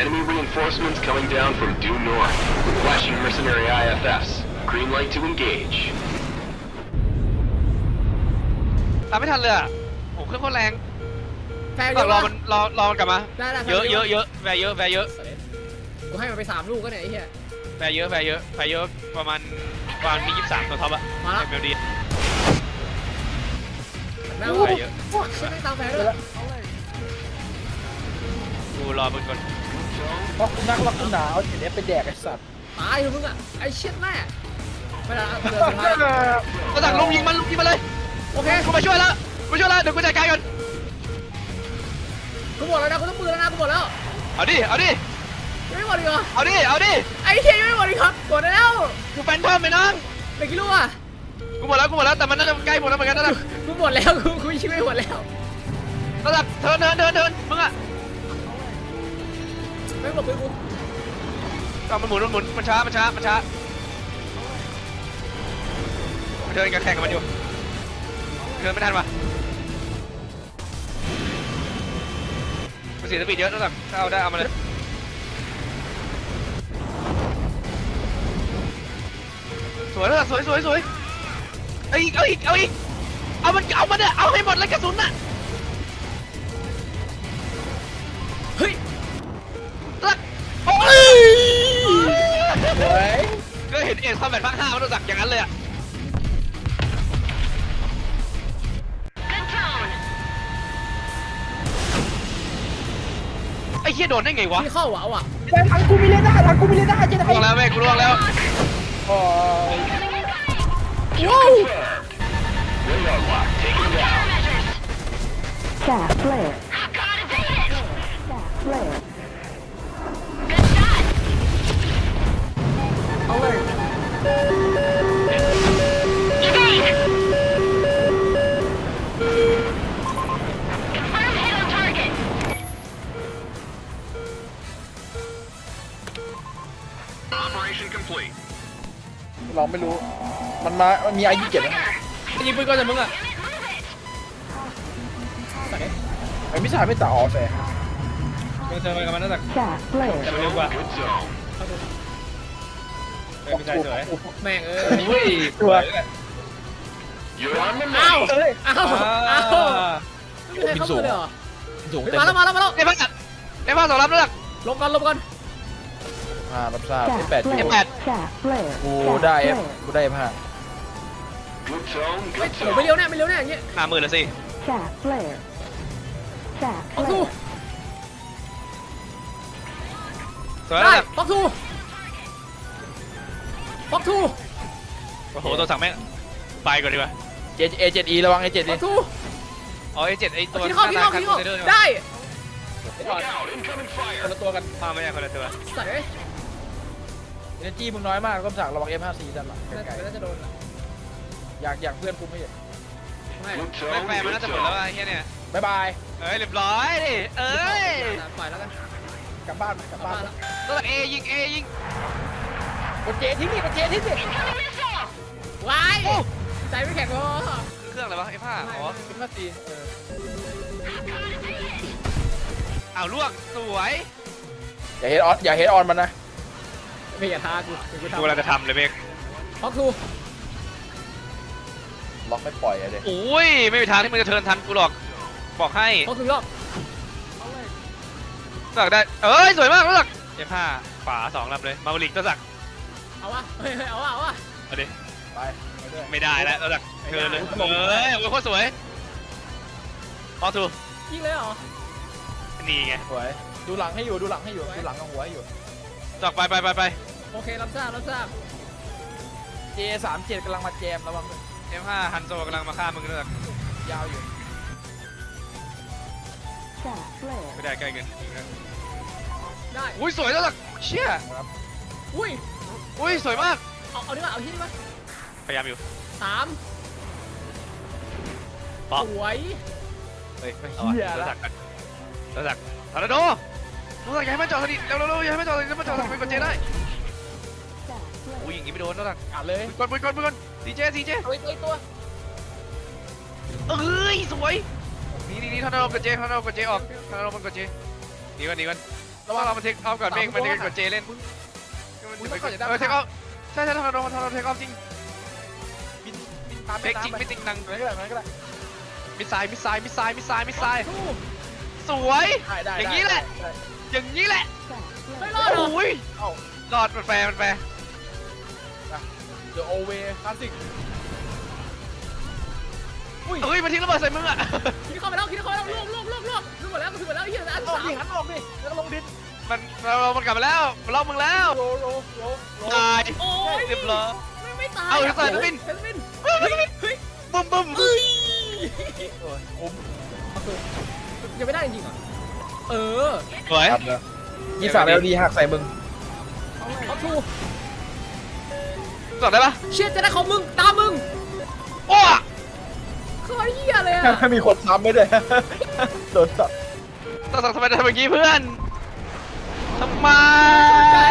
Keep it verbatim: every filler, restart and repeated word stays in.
Enemy reinforcements coming down from due north. Flashing mercenary I F Fs. Green light to engage. ตามไม่ทันเลยอ่ะโอ้เครื่องโคตรแรงแฟร์เยต้องอะรอปะมันรอรอมันกลับมาได้ได้เยอะเยอะเยอะแวร์เยอะแวร์เยอะกูให้มันไปสามลูกก็เนี่ยไอ้เหี้ยแวร์เยอะแวร์เยอะแวร์เยอะประมาณประมาณมียี่สิบสามตัวท็อปอะมาละเมลดีแม่งแวร์เยอะไม่ได้ตามแฟร์ด้วยกูรอมึงก่อนเพราะคุณนักรักคุณหนาวเห็นเนี้ยไปแดกไอ้สัตว์ตายเถอะมึงอ่ะไอ้เช็ดแม่ไม่ได้เดือดสุดท้ายก็สั่งลุงยิงมันลุงยิงมันเลยโอเคกูมาช่วยแล้วกูช่วยแล้วเดี๋ยวกูจัดการก่อนกูหมดแล้วนะกูต้องปืนแล้วนะกูหมดแล้วเอาดิเอาดิยังไม่หมดอีกเหรอเอาดิเอาดิไอ้เหี้ยยังไม่หมดอีกครับหมดแล้วกูแฟนเพิ่มไปน้องเหลือกี่ลูกอ่ะกูหมดแล้วกูหมดแล้วแต่มันน่าจะใกล้หมดแล้วเหมือนกันนั่นแหละกูหมดแล้วกูกูชิไม่หมดแล้วนั่นแหละเทินเทินเทินเทินมึงอะไม่หมดปืนกูก็มันหมุนมันหมุนมันช้ามันช้ามันช้าเทินกับแข่งกับมันอยู่เทินไม่ทันว่ะมันเสียสปีดเยอะนั่นแหละถ้าเอาได้เอามาเลยสวยแล้วสวยสวยสวยเอาอีกเอาอีกเอาอีกเอามันเอามันเนี่ยเอาให้หมดเลยกระสุนน่ะเฮ้ยลักโอ้ยเฮ้ยก็เห็นเอ็กซ์คอมแบทภาคห้ามันต้องสักอย่างนั้นเลยอะไอ้เหี้ยโดนได้ไงวะพี่เข้าอ่ะเอาอ่ะแต่ทางกูมีเลด้าทางกูมีเลด้าเจ๊ได้ล่วงแล้วเว้ยกูล่วงแล้วโอ้ยว้าว Radar lock taken down. Staff flare. Staff flare. Alert. Operation complete. เราไม่รู้ มันมา มันมีไอยี่เจ็ดนะยิงปืนก่อนจะมึงอะไอ้มิสายไม่ต่ออ๋อแฟร์มึงเจอไปกับมันนั่นแหละ Staff flare. แต่มันเร็วกว่า Good zone. เออไม่ใช่สวยแม่งเอ้ยอุ้ยตัว You're on the อ้าว move. เอ้ยอ้าวอ้าวไม่มีใครเข้ามาเลยเหรอสูงเฮ้ยเต็มมาแล้วมาแล้วมาแล้วไอ้บ้าไอ้บ้าสองรับนั่นแหละลงก่อนลงก่อนอ่ารับทราบ Staff แปด flare. F8. Staff flare. กู Staff ได้เอฟ flare. กูได้เอฟห้า Good zone. เฮ้ย Good โอ้ไม่ zone. เลี้ยวแน่ไม่เลี้ยวแน่อย่างเงี้ยห้าหมื่นแล้วสิ Staff flare. Staff ป๊อกทู flare. สวยได้แล้วป๊อกทูป๊อกทูโอ้โหตัวสั่งแม่งไปก่อนดีกว่าเจเอเจ็ดอีระวังเอเจ็ดป๊ดิอกทูอ๋อไอ้เจ็ดไอ้ตัวกินเข้ากินเข้ากินเข้าได้ Look out. Incoming คน fire. ละตัวกันพาไม่ใช่คนละตัวใส่เอ้ยเอเนจีมึงน้อยมากก็สั่งระวังเอฟห้าซีด้านหลังน่าไกลน่าจะโดนๆอยากอยากเพื่อนกูไม่เห็นไม่ Good แม่ zone. แฟร์มัน Good น่าจะหมดแล้ว zone. ไอ้เหี้ยเนี่ยบ๊ายบายเอ้ยเรียบร้อยดิเอ้ยปล่อยแล้วกันกลับบ้านไหมกลับกลับบ้านบ้านไหมแล้วตัวเอยิงเอยิงกดเจทิ้งดิกดเจทิ้งดิว้ายใจไม่แข็งพอเครื่องอะไรวะไอ้ผ้าอ๋อเอฟห้าซีเอออ้าวล่วงสวยอย่าเฮดออนอย่าเฮดออนมันนะไม่อย่าท้ากูกูกูทำกำลังจะทำเลยเบกป๊อกทูล็อกไม่ปล่อยอะเด็กโอ้ยไม่มีทางที่มึงจะเทิร์นทันกูหรอกบอกให้ป๊อกทูรอบสักได้เอ้ยสวยมากแล้วสักไอ้ผ้าฝาสองลำเลยมาบลิกตัวสักเอาวะเฮ้ยเอาวะเอาวะเอาดิไปไปด้วยไม่ได้แล้วตัวสักเทิร์นเลยเอ้ยโอ้ยโคตรสวยพอถูกยิงเลยเหรอนี่ไงสวยดูหลังให้อยู่ดูหลังให้อยู่ดูหลังกับหัวให้อยู่สักไปไปไปไปโอเครับทราบรับทราบเจสามเจ็ดกำลังมาแจมระวังด้วยเอ็มห้าฮันโซกำลังมาฆ่ามึงด้วยสักยาวอยู่ Staff flare. ไม่ได้ใกล้เกินได้อุ้ยสวยแล้วสักเชี่ยครับอุ้ยอุ้ยสวยมากเอาเอาดีกว่าเอาที่นี่มั้ยพยายามอยู่สามป๊อกสวยเฮ้ยเอาอะตัวสักกันตัวสักทอร์นาโดตัวสักอย่าให้มันจอดสนิทเร็วเร็วอย่าให้มันจอดสนิทมันจอดสนิทไปกดเจได้ Staff flare. อุ้ยอย่างงี้ไม่โดนตัวสักอ่านเลยกดกดกดกดซีเจซีเจเอาอีกตัวอีกตัวเอ้ยสวยนี่นี่นี่ทอร์นาโดกดเจทอร์นาโดกดเจออกทอร์นาโดมันกดเจหนีก่อนหนีก่อนระวังเรามาเทคออฟก่อนเมฆมันจะกดเจเล่นมึงต้องก่อนอย่าได้เออเทคออฟใช่ใช่ทอร์นาโดทอร์นาโดเทคออฟจริงบินบินตามเทคจริงไม่จริงนังอะไรก็ได้อะไรก็ได้มิสไซล์มิสไซล์มิสไซล์มิสไซล์มิสไซล์สู้สวยได้ได้อย่างนี้แหละได้อย่างนี้แหละ Stack ไม่ flare. รอดหรอโอ้ยเอ้ารอดมันแฟร์มันแฟร์เดี๋ยวโอเวคลาสสิกอุ้ยเฮ้ยมาทิ้งระเบิดใส่มึงอ่ะคิดเข้าไปแล้วคิดเข้าไปแล้วลวกลวกลวกลวกลวกหมดแล้วคือหมดแล้วไอ้เหี้ยอันออกสามดิหันออกดิแล้วก็ลงดินมันเรามันกลับมาแล้วมันล็อกมึงแล้วโลโลโลโลตายโอ้ยเรียบร้อยไม่ไม่ตายเอาเซอร์วินเซอร์วินบึ้มบึ้มเอ้ยโอ้ยคุ้มยังไม่ได้จริงๆเหรอเออสวยครับเนอะยี่สามแล้วดีหักใส่มึงเขาทูจอดได้ปะเชียจะได้ของมึงตามมึงโอ้เขาเหี้ยเลยอะถ้ามีคนซ้ำไม่ด้วยโดนสับต้องสั่งทำไมทำอย่างนี้เพื่อนทำไมใจ